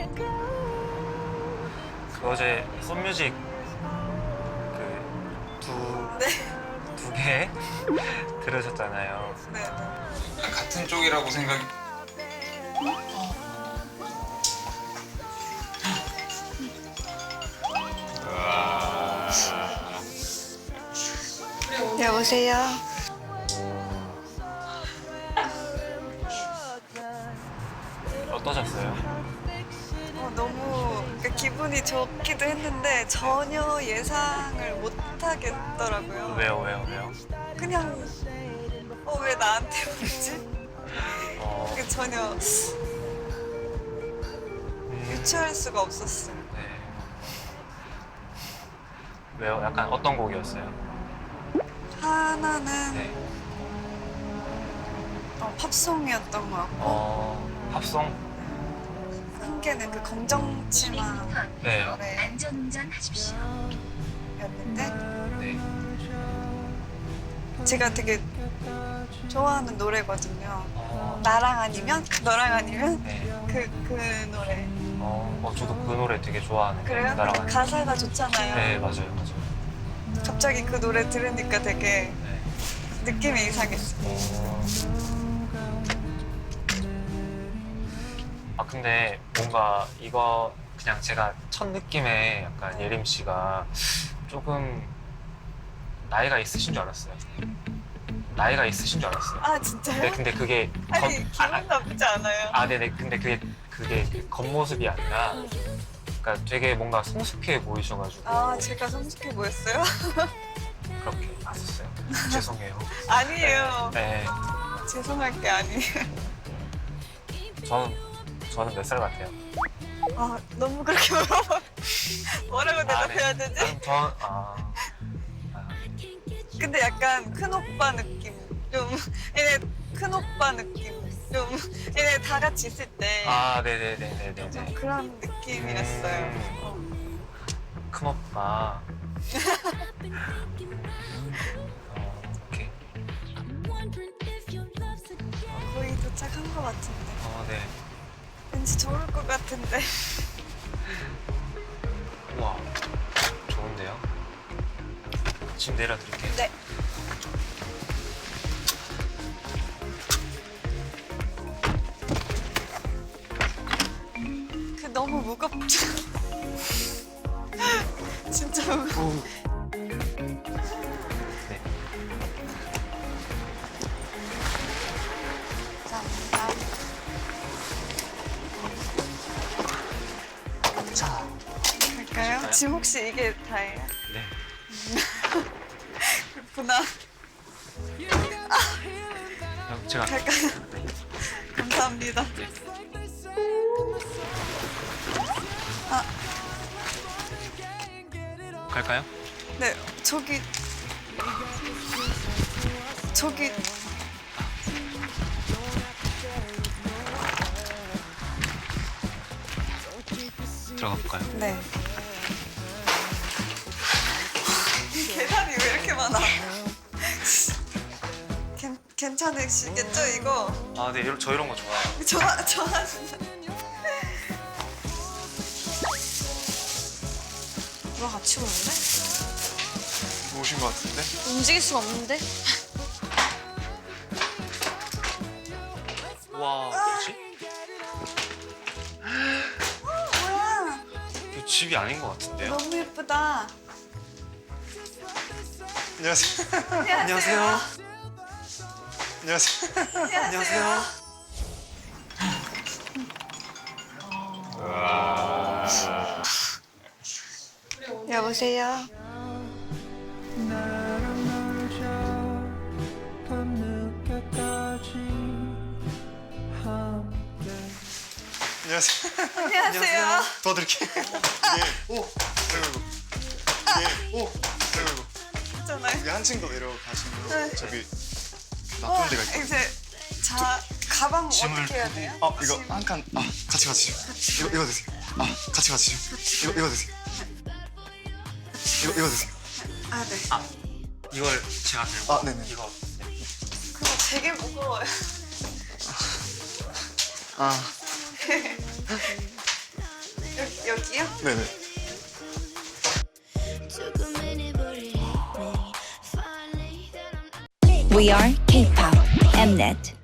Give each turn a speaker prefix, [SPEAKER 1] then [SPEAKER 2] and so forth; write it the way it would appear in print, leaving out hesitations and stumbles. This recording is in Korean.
[SPEAKER 1] 그 어제 썬뮤직
[SPEAKER 2] 네.
[SPEAKER 1] 두 개 들으셨잖아요.
[SPEAKER 2] 네.
[SPEAKER 3] 같은 쪽이라고 생각이.
[SPEAKER 2] 여보세요.
[SPEAKER 1] 어떠셨어요?
[SPEAKER 2] 너무 기분이 좋기도 했는데 전혀 예상을 못 하겠더라고요.
[SPEAKER 1] 왜요?
[SPEAKER 2] 그냥 왜 나한테 오지?
[SPEAKER 1] 어,
[SPEAKER 2] 그게 전혀 유추할 수가 없었어요.
[SPEAKER 1] 네. 왜요? 약간 어떤 곡이었어요?
[SPEAKER 2] 하나는
[SPEAKER 1] 네.
[SPEAKER 2] 팝송이었던 것 같고
[SPEAKER 1] 팝송?
[SPEAKER 2] 한 개는 그 검정치마
[SPEAKER 1] 네.
[SPEAKER 2] 노래였는데
[SPEAKER 4] 안전운전 하십시오.
[SPEAKER 1] 네.
[SPEAKER 2] 제가 되게 좋아하는 노래거든요.
[SPEAKER 1] 어,
[SPEAKER 2] 나랑 아니면 너랑 아니면
[SPEAKER 1] 네.
[SPEAKER 2] 그 노래.
[SPEAKER 1] 저도 그 노래 되게 좋아하는데.
[SPEAKER 2] 그래요?
[SPEAKER 1] 나랑 아니면.
[SPEAKER 2] 가사가 좋잖아요.
[SPEAKER 1] 네, 맞아요.
[SPEAKER 2] 갑자기 그 노래 들으니까 되게
[SPEAKER 1] 네.
[SPEAKER 2] 느낌이 이상했어요.
[SPEAKER 1] 근데 뭔가 이거 그냥 제가 첫 느낌에 약간 예림 씨가 조금 나이가 있으신 줄 알았어요.
[SPEAKER 2] 아 진짜요?
[SPEAKER 1] 네, 근데 그게
[SPEAKER 2] 아니 기분 나쁘지 않아요.
[SPEAKER 1] 네네. 근데 그게 그 겉모습이 아니라, 그러니까 되게 뭔가 성숙해 보이셔가지고.
[SPEAKER 2] 아 제가 성숙해 보였어요?
[SPEAKER 1] 그렇게 봤었어요. 죄송해요.
[SPEAKER 2] 아니에요.
[SPEAKER 1] 네.
[SPEAKER 2] 죄송할 게 아니에요.
[SPEAKER 1] 저는 몇 살 같아요?
[SPEAKER 2] 너무 그렇게 물어봐. 뭐라고 대답해야
[SPEAKER 1] 네.
[SPEAKER 2] 되지?
[SPEAKER 1] 아니,
[SPEAKER 2] 근데 약간 큰 오빠 느낌. 좀 얘네 큰 오빠 느낌. 좀 얘네 다 같이 있을 때
[SPEAKER 1] 네네네네네.
[SPEAKER 2] 좀 그런 느낌이었어요.
[SPEAKER 1] 큰 오빠. 오케이.
[SPEAKER 2] 거의 도착한 것 같은데.
[SPEAKER 1] 네.
[SPEAKER 2] 왠지 좋을 것 같은데.
[SPEAKER 1] 우와, 좋은데요? 지금 내려드릴게요.
[SPEAKER 2] 네. 너무 무겁죠? 진짜 무거워.
[SPEAKER 1] 네.
[SPEAKER 2] 감사합니다.
[SPEAKER 1] 자.
[SPEAKER 2] 갈까요?
[SPEAKER 1] 가실까요?
[SPEAKER 2] 지금 혹시 이게 다예요?
[SPEAKER 1] 네.
[SPEAKER 2] 그렇구나.
[SPEAKER 1] 제가.
[SPEAKER 2] 갈까요?
[SPEAKER 1] 네.
[SPEAKER 2] 감사합니다.
[SPEAKER 1] 갈까요?
[SPEAKER 2] 네, 저기
[SPEAKER 1] 들어가 볼까요?
[SPEAKER 2] 네. 계단이 왜 이렇게 많아? 괜찮으시겠죠 이거?
[SPEAKER 1] 네. 저 이런 거 좋아해요.
[SPEAKER 2] 좋아하신다.
[SPEAKER 4] 누가 같이 오는데?
[SPEAKER 3] 오신 것 같은데?
[SPEAKER 4] 움직일 수가 없는데?
[SPEAKER 1] 와, 뭐지?
[SPEAKER 2] 뭐야?
[SPEAKER 1] 이거 집이 아닌 것 같은데요?
[SPEAKER 2] 너무 예쁘다.
[SPEAKER 3] 안녕하세요.
[SPEAKER 1] 안녕하세요.
[SPEAKER 3] 안녕하세요.
[SPEAKER 2] 안녕하세요. 여보세요.
[SPEAKER 3] 안녕하세요.
[SPEAKER 2] 안녕하세요.
[SPEAKER 3] 도와드릴게요. 예. 오. 아이고. 예. 오. 아이고.
[SPEAKER 2] 있잖아요.
[SPEAKER 3] 여기 한층 더 내려가시면
[SPEAKER 2] 네.
[SPEAKER 3] 저기 나쁜 데가 있거든요.
[SPEAKER 2] 이제 가방
[SPEAKER 1] 짐을
[SPEAKER 2] 어떻게 해야 돼요?
[SPEAKER 3] 이거 한 칸. 같이 가시죠. 이거 드세요. 같이 가시죠. 이거 드세요. 이거 드세요.
[SPEAKER 2] 네.
[SPEAKER 1] 이걸 제가 들고.
[SPEAKER 3] 네네.
[SPEAKER 1] 이거.
[SPEAKER 2] 그거 되게 무거워요. 여기요?
[SPEAKER 3] 네네.
[SPEAKER 5] We are K-pop Mnet.